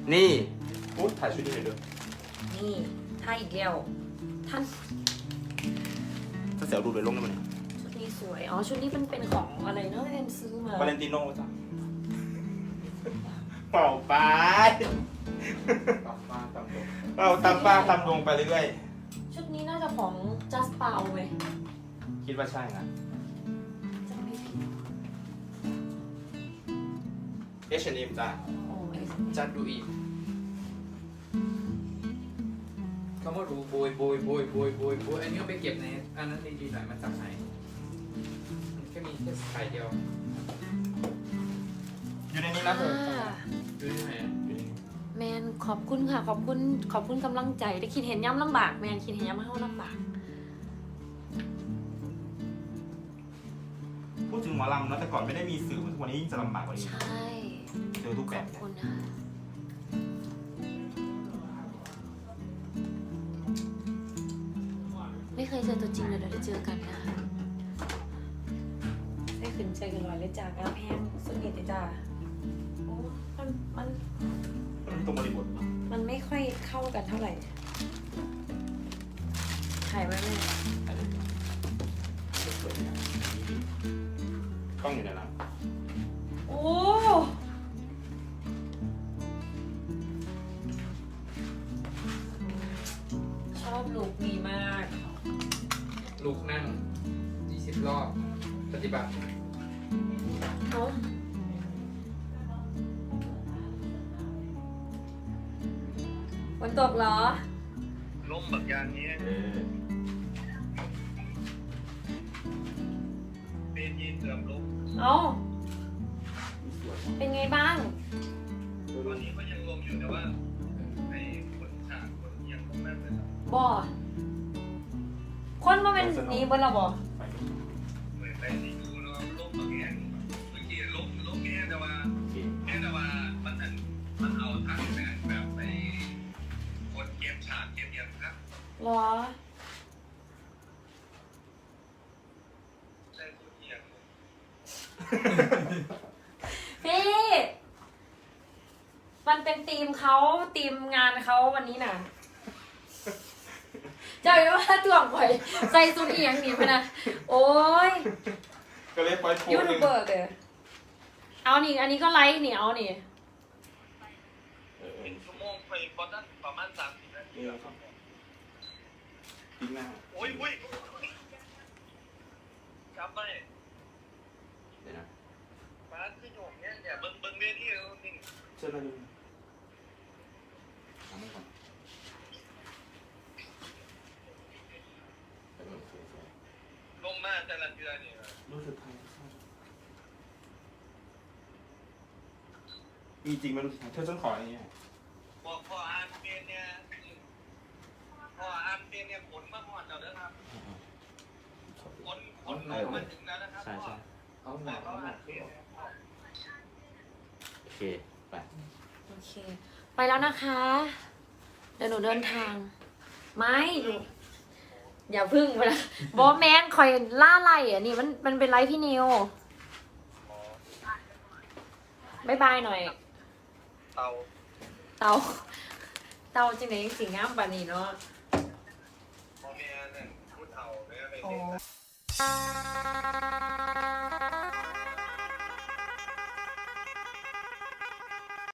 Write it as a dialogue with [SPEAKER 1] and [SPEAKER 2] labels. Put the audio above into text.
[SPEAKER 1] นี่พูดถ่ายชุดนี้หน่อยด้วย
[SPEAKER 2] นี่ถ้าอีกแล้วท่าน
[SPEAKER 1] ถ้าเสียวดูเลยลงได้ไหม
[SPEAKER 2] ชุดนี้สวยอ๋อชุดนี้มันเป็นของอะไรเนาะแอนซื้อมาว
[SPEAKER 1] าเลนติโน่จ้ะเป่าไปเราตามป้าตามดวงไปเรื่อย
[SPEAKER 2] ชุดนี้น่าจะของ Just Pau ไหม
[SPEAKER 1] ๆคิดว่าใช่นะ
[SPEAKER 2] จำไม่ผิด
[SPEAKER 1] H&M จ้ะ
[SPEAKER 2] โอ้ย
[SPEAKER 3] จัดดูอีกเขามาดูโบยอันนี้เอาไปเก็บในอันนั้นดีๆหน่อยมาจากไหนมันแค่มีแค่สายเดียว
[SPEAKER 1] อยู่ในนี้นะเธอ
[SPEAKER 3] ดูที่ไหน
[SPEAKER 2] แมนขอบคุณค่ะขอบคุณกำลังใจได้คิดเห็นย้ำลำบากแมนคิดเห็นย้ำให้เขาลำบาก
[SPEAKER 1] พูดถึงหมอลำนะแต่ก่อนไม่ได้มีสื่อเหมือนทุกวันนี้ยิ่งจะลำบากกว่านี้
[SPEAKER 2] ใช่
[SPEAKER 1] เจอทุก
[SPEAKER 2] ข
[SPEAKER 1] แบ
[SPEAKER 2] อ
[SPEAKER 1] บบ
[SPEAKER 2] คุณค่ะไม่เคยเจอตัวจริงเลยเดี๋ยวได้เจอกันนะคะได้ขึ้นใจกันลอยเลยจากอาแพงสุดเด็ดเลยจ้าโอ้มัน
[SPEAKER 1] มันตรงบริบท
[SPEAKER 2] มันไม่ค่อยเข้ากันเท่าไหร่ถ่ายไว้ไหม
[SPEAKER 1] กล้องอยู่ในนั้น
[SPEAKER 2] โอ้ชอบลุคนี้มาก
[SPEAKER 3] ลูกนั่ง20 รอบปฏิบัติ
[SPEAKER 2] เอาฝนตกเหรอ
[SPEAKER 4] ล้มแบบอย่างนี้เป็นยีนเสื่อมล้ม
[SPEAKER 2] เอาเป็นไงบ้าง
[SPEAKER 4] ตอนนี้ก็ยังลมอยู่แต่ว่าไอ้คนขาดคนยังลงมากเลยครับ
[SPEAKER 2] บ่คนมาเป็นนี้บนเราบ่
[SPEAKER 4] เหมือนไปที่ดูเราล้มแบบแง่เมื่อกี้ล้มแง่แต่ว่ามันเอาทั้งแบบไปคนเก็บฉากเก็บยังครับ
[SPEAKER 2] เหรอ
[SPEAKER 4] ใช่คนเอียง
[SPEAKER 2] พี่ มันเป็นทีมเขาทีมงานเขาวันนี้น่ะเจ้าอยู่ว่าถ่วงข่อยใส่สุดเอียงหนีไปนะโอ้ย
[SPEAKER 1] ก็เลยปล่อยโพส
[SPEAKER 2] ยู
[SPEAKER 1] ต์ห
[SPEAKER 2] ทู
[SPEAKER 1] นึ่
[SPEAKER 2] บ
[SPEAKER 1] ง
[SPEAKER 2] เบอร์เด้อเอานี่อันนี้ก็ไลค์นี่เอานี่
[SPEAKER 4] เป็นชั่วโมงไปประมาณ30 นาทีครับ
[SPEAKER 1] ทิ้งหน้า
[SPEAKER 4] โอ้ยจับไป
[SPEAKER 1] เดี๋ยวนะ
[SPEAKER 4] บ้านที่อยู่เนี่ยเบิ่งเวทีแล้วนี่
[SPEAKER 1] เชิญมาดูทำให้ก่อน
[SPEAKER 4] ลมมากแต่ละเดือนนี่
[SPEAKER 1] รู้สึกไทยมีจริงไหมรู้สึกไทยเธอฉันขออย่างเงี้ย
[SPEAKER 4] พออ่านเป็นเนี่ยผลมาหอดแล้วนะครับผลมาถึงแล้วนะครับ
[SPEAKER 1] ใช่
[SPEAKER 3] เอาหน่อยเอาหน่อย
[SPEAKER 1] โอเคไป
[SPEAKER 2] โอเค ไปแล้วนะคะ เดี๋ยวหนูเดินทาง ไม่หนูอย่าพึ่งไปนะบอแมนคอยล่าไล่อ่ะนี่มันเป็นไลฟ์พี่นิวบายบายหน่อย
[SPEAKER 4] เตา
[SPEAKER 2] เตาจริงไหนสิงามปานนี้เนาะ
[SPEAKER 4] พ่อแม่เนี่ยพูดเตาแม่ไป
[SPEAKER 2] โอ้
[SPEAKER 4] เล่น